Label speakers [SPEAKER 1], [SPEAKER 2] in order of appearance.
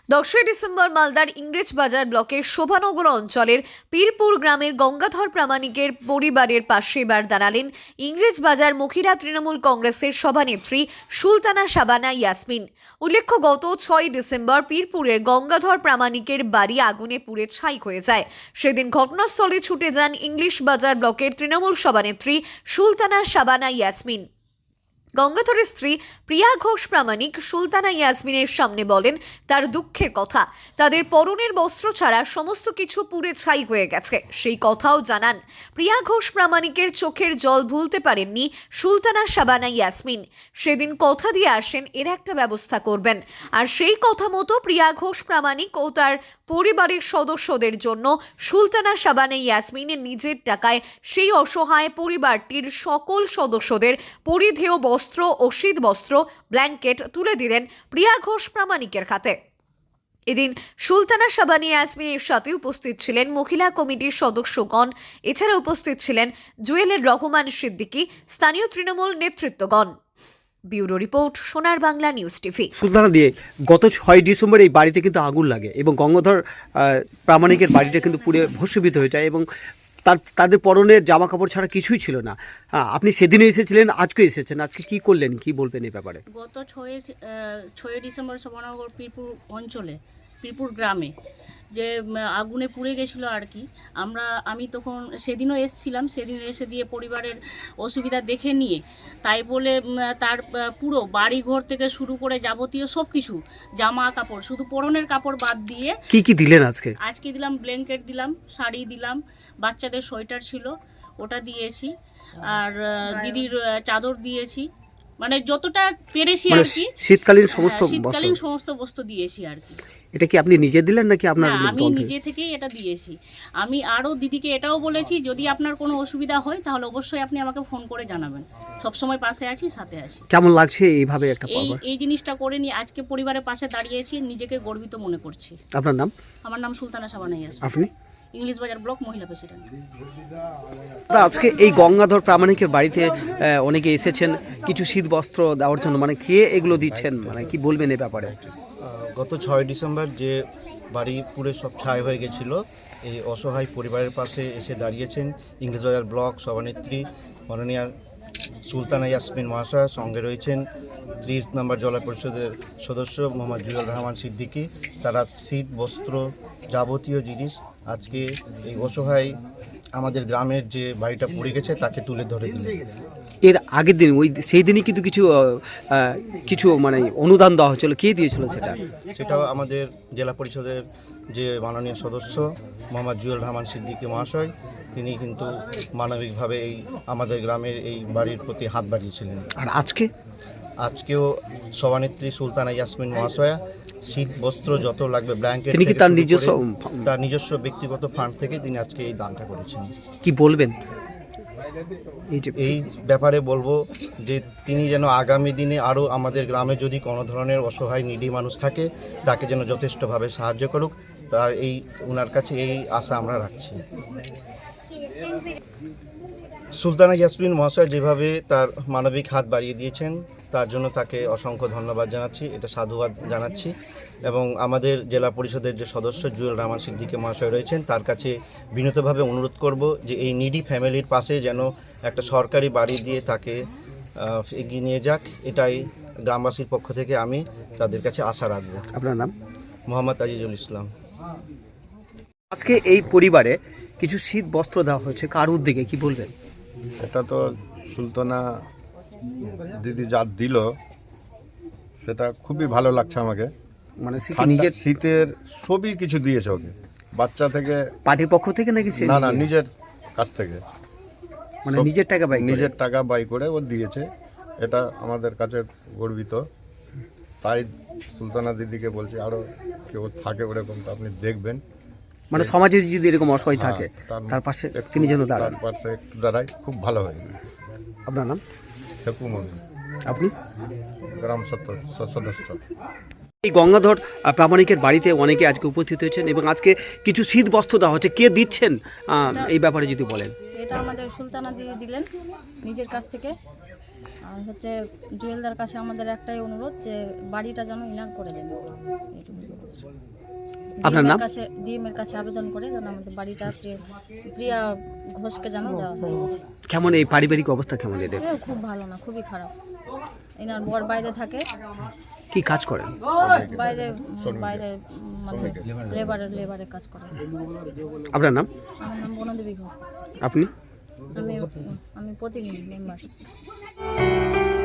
[SPEAKER 1] 10 December মালদার ইংরেজ বাজার ব্লকের শোভানগর অঞ্চলের পীরপুর গ্রামের গঙ্গাধর প্রামাণিকের পরিবারের পাশে এবার দাঁড়ালেন ইংরেজ বাজার মহিলা তৃণমূল কংগ্রেসের সভানেত্রী সুলতানা শাবানা ইয়াসমিন। উল্লেখ্য, গত 6 ডিসেম্বর পীরপুরের গঙ্গাধর প্রামাণিকের বাড়ি আগুনে পুড়ে ছাই হয়ে যায়। সেদিন ঘটনাস্থলে ছুটে যান ইংলিশ বাজার ব্লকের তৃণমূল সভানেত্রী সুলতানা শাবানা ইয়াসমিন। গঙ্গাধরের স্ত্রী প্রিয়া ঘোষ প্রামাণিক সুলতানা ইয়াসমিনের সামনে বলেন তার দুঃখের কথা। তাদের পরনের বস্ত্র ছাড়া সমস্ত কিছু পুড়ে ছাই হয়ে গেছে, সেই কথাও জানান। প্রিয়া ঘোষ প্রামাণিকের চোখের জল ভুলতে পারেননি সুলতানা শাবানা ইয়াসমিন। সেদিন কথা দিয়ে আসেন এর একটা ব্যবস্থা করবেন, আর সেই কথা মতো প্রিয়া ঘোষ প্রামাণিক ও তার পরিবারের সদস্যদের জন্য সুলতানা শাবানা ইয়াসমিন নিজের টাকায় সেই অসহায় পরিবারটির সকল সদস্যদের পরিধেয় বস্ত্র ও শীত বস্ত্র, ব্ল্যাঙ্কেট তুলে দিলেন প্রিয়া ঘোষ প্রামাণিকের হাতে। এদিন সুলতানা শাবানা ইয়াসমিনের সাথে উপস্থিত ছিলেন মহিলা কমিটির সদস্যগণ। এছাড়া উপস্থিত ছিলেন জুয়েলের রহমান সিদ্দিকী, স্থানীয় তৃণমূল নেতৃত্বগণ। ব্যুরো রিপোর্ট, সোনার বাংলা নিউজ টিভি।
[SPEAKER 2] সুলতানা দিয়ে গত 6 ডিসেম্বর এই বাড়িতে কিন্তু আগুন লাগে এবং গঙ্গাধর প্রামাণিকের বাড়িটা কিন্তু পুড়ে ভস্মীভূত হয়ে যায় এবং তাদের পরনের জামা কাপড় ছাড়া কিছুই ছিল না। আপনি সেদিনে এসেছিলেন, আজকে এসেছেন, আজকে কি করলেন, কি বলবেন এই ব্যাপারে?
[SPEAKER 3] গত 6 ডিসেম্বর শোভানগর পীরপুর অঞ্চলে পীরপুর গ্রামে যে আগুনে পুড়ে গেছিলো আর কি, আমি তখন সেদিনও এসেছিলাম। সেদিন এসে দিয়ে পরিবারের অসুবিধা দেখে নিয়ে তাই বলে তার পুরো বাড়ি ঘর থেকে শুরু করে যাবতীয় সব কিছু জামা কাপড়, শুধু পরনের কাপড় বাদ দিয়ে
[SPEAKER 2] কি দিলেন আজকে দিলাম
[SPEAKER 3] ব্ল্যাঙ্কেট দিলাম, শাড়ি দিলাম, বাচ্চাদের সোয়েটার ছিল ওটা দিয়েছি, আর দিদির চাদর দিয়েছি, মানে যতটা পেরেছি আর কি।
[SPEAKER 2] শীতকালীন
[SPEAKER 3] সমস্ত বস্তু দিয়েছি আর কি।
[SPEAKER 2] এটা কি আপনি নিজে দিলেন নাকি আপনার?
[SPEAKER 3] আমি নিজে থেকেই এটা দিয়েছি। আমি আরও দিদিকে এটাও বলেছি, যদি আপনার কোনো অসুবিধা হয় তাহলে অবশ্যই আপনি আমাকে ফোন করে জানাবেন, সব সময় পাশে আছি, সাথে আছি।
[SPEAKER 2] কেমন লাগছে এইভাবে একটা
[SPEAKER 3] এই জিনিসটা করে নিয়ে আজকে পরিবারের পাশে দাঁড়িয়েছি, নিজেকে গর্বিত মনে করছি।
[SPEAKER 2] আপনার নাম?
[SPEAKER 3] আমার নাম সুলতানা শাবানা ইয়াসমিন।
[SPEAKER 2] আপনি?
[SPEAKER 3] ইংলিশ বাজার ব্লক মহিলা প্রেসিডেন্ট।
[SPEAKER 2] আজকে এই গঙ্গাধর প্রামাণিকের বাড়িতে অনেকে এসেছেন কিছু শীত বস্ত্র দেওয়ার জন্য, মানে কে এগুলো দিচ্ছেন, মানে কি বলবেন এই ব্যাপারে?
[SPEAKER 4] গত 6 ডিসেম্বর যে বাড়ি পুরে সব ছাই হয়ে গেছিলো, এই অসহায় পরিবারের পাশে এসে দাঁড়িয়েছেন ইংলিশ বাজার ব্লক সভানেত্রী মাননীয়া সুলতানা ইয়াসমিন মহাশয়া। সঙ্গে রয়েছেন 30 নম্বর জেলা পরিষদের সদস্য মোহাম্মদ জুয়েল রহমান সিদ্দিকী। তারা শীত বস্ত্র যাবতীয় জিনিস আজকে এই অসহায় আমাদের গ্রামের যে বাড়িটা পড়ে গেছে তাকে তুলে ধরে দিলেন।
[SPEAKER 2] এর আগের দিন সেই দিনই কিন্তু কিছু মানে অনুদান দেওয়া হয়েছিল, কে দিয়েছিল
[SPEAKER 4] সেটাও আমাদের জেলা পরিষদের যে মাননীয় সদস্য মোহাম্মদ জুয়েল রহমান সিদ্দিকী মহাশয়, তিনি কিন্তু মানবিকভাবে এই আমাদের গ্রামের এই বাড়ির প্রতি হাত বাড়িয়েছিলেন।
[SPEAKER 2] আর
[SPEAKER 4] আজকেও সভানেত্রী সুলতানা ইয়াসমিন মহাশয়া শীত বস্ত্র যত লাগবে, ব্ল্যাঙ্কেট,
[SPEAKER 2] তিনি কি তার
[SPEAKER 4] নিজস্ব ব্যক্তিগত ফান্ড থেকে তিনি আজকে এই দানটা করেছেন।
[SPEAKER 2] কি বলবেন
[SPEAKER 4] এই ব্যাপারে? বলবো যে তিনি যেন আগামী দিনে আরও আমাদের গ্রামে যদি কোনো ধরনের অসহায় নিডি মানুষ থাকে তাকে যেন যথেষ্টভাবে সাহায্য করুক, তার ওনার কাছে এই আশা আমরা রাখছি। সুলতানা ইয়াসমিন মহাশয় যেভাবে তার মানবিক হাত বাড়িয়ে দিয়েছেন তার জন্য তাকে অসংখ্য ধন্যবাদ জানাচ্ছি, এটা সাধুবাদ জানাচ্ছি। এবং আমাদের জেলা পরিষদের যে সদস্য জুয়েল রহমান সিদ্দিকী মহাশয় রয়েছেন, তার কাছে বিনীতভাবে অনুরোধ করব যে এই নিডি ফ্যামিলির পাশে যেন একটা সরকারি বাড়ি দিয়ে তাকে এগিয়ে নিয়ে যাক, এটাই গ্রামবাসীর পক্ষ থেকে আমি তাদের কাছে আশা রাখব।
[SPEAKER 2] আপনার নাম?
[SPEAKER 4] মোহাম্মদ আজিজুল ইসলাম।
[SPEAKER 2] আজকে এই পরিবারে কিছু শীত বস্ত্র দেওয়া হয়েছে, কার উদ্যোগে, কি বলবেন?
[SPEAKER 5] এটা তো সুলতানা দিদি যা দিল সেটা খুবই ভালো লাগছে আমাকে।
[SPEAKER 2] মানে নিজের
[SPEAKER 5] শীতের সবই কিছু দিয়েছে ওকে, বাচ্চা থেকে।
[SPEAKER 2] পার্টির পক্ষ থেকে নাকি?
[SPEAKER 5] না, নিজের কাছ থেকে,
[SPEAKER 2] মানে নিজের
[SPEAKER 5] টাকা ব্যয় করে ও দিয়েছে। এটা আমাদের কাছে গর্বিত। তাই সুলতানা দিদিকে বলছি আরও কেউ থাকে ওরকম, তো আপনি দেখবেন,
[SPEAKER 2] মানে সমাজে যদি এরকম অসহায় থাকে তার পাশে তিনি যেন দাঁড়ান,
[SPEAKER 5] তার পাশে একটু দাঁড়ায়, খুব ভালো হয়।
[SPEAKER 2] আপনার নাম? আপনি?
[SPEAKER 5] গ্রাম সদস্য।
[SPEAKER 2] এই গঙ্গাধর প্রামাণিকের বাড়িতে অনেকে আজকে উপস্থিত হয়েছেন এবং আজকে কিছু শীত বস্ত্র দেওয়া হচ্ছে, কে দিচ্ছেন এই ব্যাপারে যদি বলেন?
[SPEAKER 3] এটা আমাদের সুলতানা দিয়ে দিলেন নিজের কাছ থেকে।
[SPEAKER 6] আর হচ্ছে জুয়েলদার কাছে আমাদের একটাই অনুরোধ যে বাড়িটা যেন ইনার করে দেন, এইটুকু বলছি।
[SPEAKER 2] আপনার নাম?
[SPEAKER 6] ডিএম এর কাছে আবেদন করে যেন আমাদের বাড়িটা প্রিয়া ঘোষকে যেন দেওয়া হয়।
[SPEAKER 2] কেমন এই পারিবারিক অবস্থা কেমন এদের?
[SPEAKER 6] খুব ভালো না, খুবই খারাপ। এনার বর বাইরে থাকে,
[SPEAKER 2] কি কাজ করেন?
[SPEAKER 6] বাইরে বাইরে মানে লেবারে কাজ করে।
[SPEAKER 2] আপনার নাম?
[SPEAKER 6] আমার নাম বনদেবী ঘোষ।
[SPEAKER 2] আপনি?
[SPEAKER 6] আমি প্রতিনিধি মেম্বার।